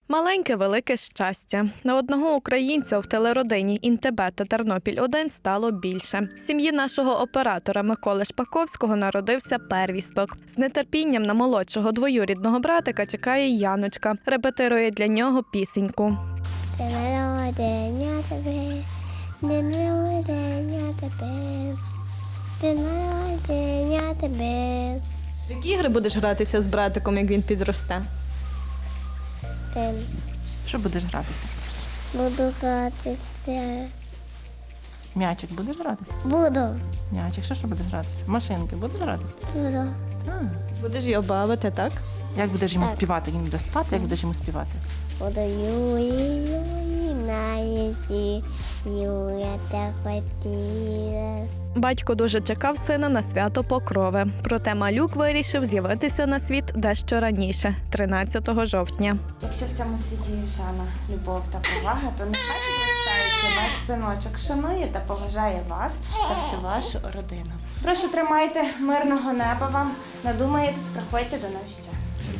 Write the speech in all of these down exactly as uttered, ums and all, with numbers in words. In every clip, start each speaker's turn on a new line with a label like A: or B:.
A: Маленьке велике щастя. На одного українця в телеродині «Інтебе» та «Тернопіль один» стало більше. Сім'ї нашого оператора Миколи Шпаковського народився первісток. З нетерпінням на молодшого двоюрідного братика чекає Яночка. Репетирує для нього пісеньку.
B: День народження тебе, день народження тебе, день народження тебе.
A: В які ігри будеш гратися з братиком, як він підросте?
B: День
C: Що будеш гратися?
B: буду гратися.
C: М'ячик будеш гратися?
B: Буду,
C: М'ячик, що, що будеш гратися? Машинки будеш гратися?
B: буду.
C: А,
A: Будеш його бавити, так?
C: як будеш йому
B: Так.
C: співати? Він буде спати, як будеш йому співати?
B: Буду Юлі, Юлі, на язі, Юля так хотіла.
A: Батько дуже чекав сина на свято Покрови. Проте малюк вирішив з'явитися на світ дещо раніше – тринадцятого жовтня.
D: Якщо в цьому світі є шана, любов та повага, то нехай підростаючи ваш синочок шанує та поважає вас та всю вашу родину. Прошу, тримайте мирного неба вам. Надумаєтесь, приходьте до нас ще.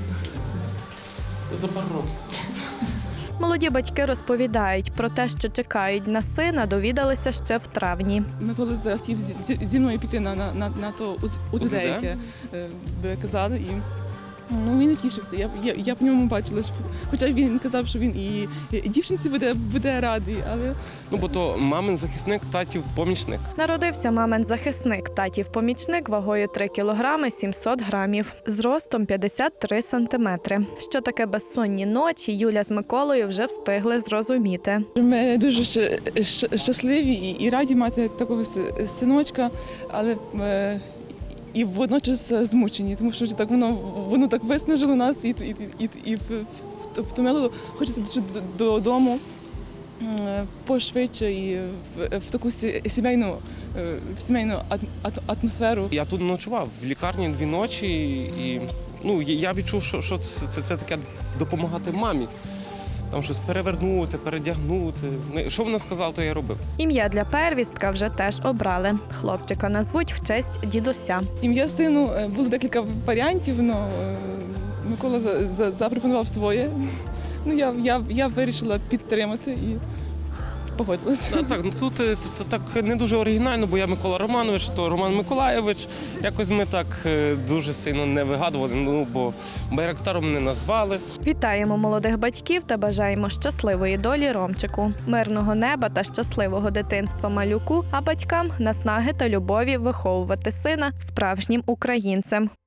E: За пару років.
A: Молоді батьки розповідають про те, що чекають на сина, довідалися ще в травні.
F: Микола захотів зі, зі- зі мною піти на, на, на, на то УЗ- УЗД, яке е, би казали. І, ну, він не тішився. Я, я, я по ньому бачила, що, хоча він казав, що він і, і дівчинці буде, буде радий, але
E: Ну, бо то мамин захисник, татів помічник.
A: Народився мамин захисник, татів помічник вагою три кілограми сімсот грамів, зростом п'ятдесят три сантиметри. Що таке безсонні ночі, Юля з Миколою вже встигли зрозуміти.
F: ми дуже щ- щ- щасливі і, і раді мати такого с- синочка, але е, і водночас змучені, тому що так воно, воно так виснажило нас і, і, і, і в- в- втомило. Хочеться дуже д- додому е, пошвидше і в, в таку сі- сімейну, е, в сімейну ат- ат- атмосферу.
E: Я тут ночував в лікарні дві ночі, і ну, я я відчув, що, що це, це, це таке допомагати мамі. Там щось перевернути, передягнути. Ну, що вона сказала, то я робив.
A: Ім'я для первістка вже теж обрали. Хлопчика назвуть в честь дідуся.
F: Ім'я сину е, було декілька варіантів, але Микола за- за- запропонував своє. Ну, я, я, я вирішила підтримати і погодилася.
E: Та, так, ну тут е, т- т- так не дуже оригінально, бо я Микола Романович, то Роман Миколайович. Якось ми так е, дуже сильно не вигадували, ну бо байрактаром не назвали.
A: Вітаємо молодих батьків та бажаємо щасливої долі Ромчику, мирного неба та щасливого дитинства малюку, а батькам наснаги та любові виховувати сина справжнім українцем.